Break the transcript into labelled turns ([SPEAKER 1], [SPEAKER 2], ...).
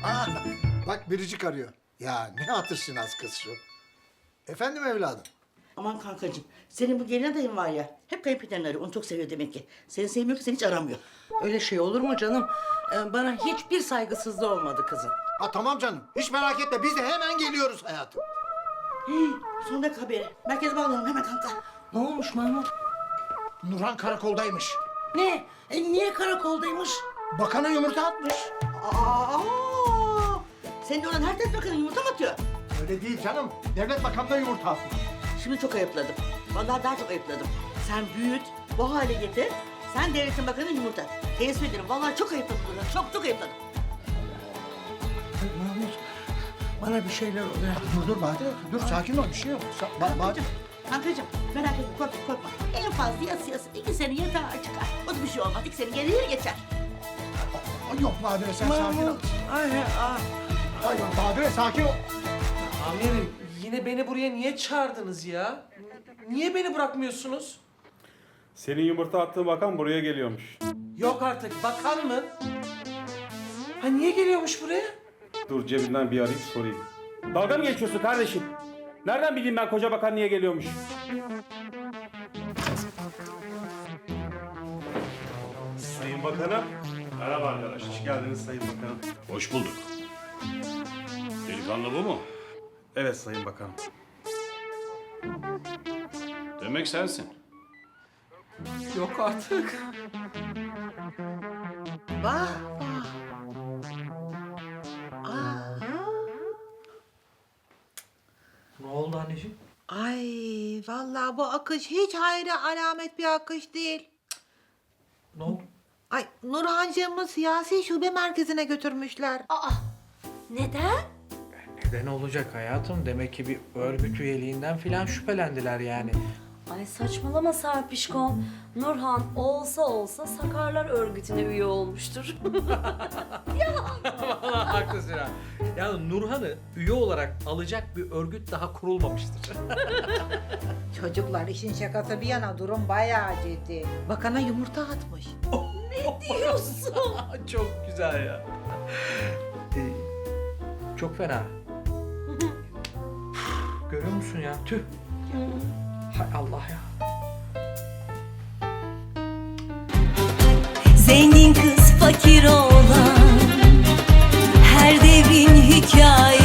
[SPEAKER 1] Bak biricik arıyor. Ya ne hatırsın az kız şu. Efendim evladım.
[SPEAKER 2] Aman kankacığım, senin bu gelin adayın var ya, hep kayınpederin arıyor, onu çok seviyor demek ki. Seni sevmiyor ki, seni hiç aramıyor.
[SPEAKER 3] Öyle şey olur mu canım? Bana hiçbir saygısızlığı olmadı kızım.
[SPEAKER 1] Ha tamam canım. Hiç merak etme. Biz de hemen geliyoruz hayatım.
[SPEAKER 2] Son dakika haberi, merkeze bağlayalım hemen kanka.
[SPEAKER 3] Ne olmuş Mahmut?
[SPEAKER 1] Nurhan karakoldaymış.
[SPEAKER 3] Ne? Niye karakoldaymış?
[SPEAKER 1] Bakana yumurta atmış.
[SPEAKER 2] Aa! Senin olan her tek bakanın yumurta mı atıyor?
[SPEAKER 1] Öyle değil canım. Devlet bakanına yumurta atmış.
[SPEAKER 2] Şimdi çok ayıpladım. Vallahi daha çok ayıpladım. Sen büyüt, bu hale getir. Sen devletin bakanı yumurta. Teessüf ederim. Vallahi çok ayıpladım bunu. Çok ayıpladım.
[SPEAKER 3] Mahmut, bana bir şeyler oluyor.
[SPEAKER 1] Dur Bade. Dur sakin ol. Bir şey yok. Bade.
[SPEAKER 2] Kankacığım merak etme, korkma. En fazla yası 2 sene yatağa çıkar. O da bir şey olmaz. 2 sene gelir geçer.
[SPEAKER 1] Yok Bade sen sakin ol.
[SPEAKER 3] Mahmut, ay.
[SPEAKER 1] Hayır Bade sakin ol.
[SPEAKER 4] Amirim yine beni buraya niye çağırdınız ya? Niye beni bırakmıyorsunuz?
[SPEAKER 5] Senin yumurta attığın bakan buraya geliyormuş.
[SPEAKER 4] Yok artık bakan mı? Ha niye geliyormuş buraya?
[SPEAKER 5] Dur cebinden bir arayıp sorayım. Dalga mı geçiyorsun kardeşim? Nereden bileyim ben koca bakan niye geliyormuş? Sayın Bakanım. Merhaba arkadaş. Hoş geldiniz Sayın Bakanım.
[SPEAKER 6] Hoş bulduk. Delikanlı bu mu?
[SPEAKER 5] Evet Sayın Bakanım.
[SPEAKER 6] Demek sensin.
[SPEAKER 4] Yok artık.
[SPEAKER 3] Vah.
[SPEAKER 4] Ne oldu anneciğim?
[SPEAKER 7] Ay vallahi bu akış hiç hayra alamet bir akış değil.
[SPEAKER 4] Ne oldu?
[SPEAKER 7] Ay Nurhancığımı siyasi şube merkezine götürmüşler.
[SPEAKER 8] Neden?
[SPEAKER 4] Neden olacak hayatım? Demek ki bir örgüt üyeliğinden filan şüphelendiler yani.
[SPEAKER 8] Ay saçmalama Serpişkom. Nurhan olsa Sakarlar Örgütü'ne üye olmuştur.
[SPEAKER 4] Vallahi haklısın ha. Yani Nurhan'ı üye olarak alacak bir örgüt daha kurulmamıştır.
[SPEAKER 7] Çocuklar işin şakası bir yana durum bayağı ciddi. Bakana yumurta atmış.
[SPEAKER 8] Diyorsun.
[SPEAKER 4] Çok güzel ya. Çok fena. Görüyor musun ya? Tüh. Hay Allah ya.
[SPEAKER 9] Zengin kız fakir olan her devrin hikayesi.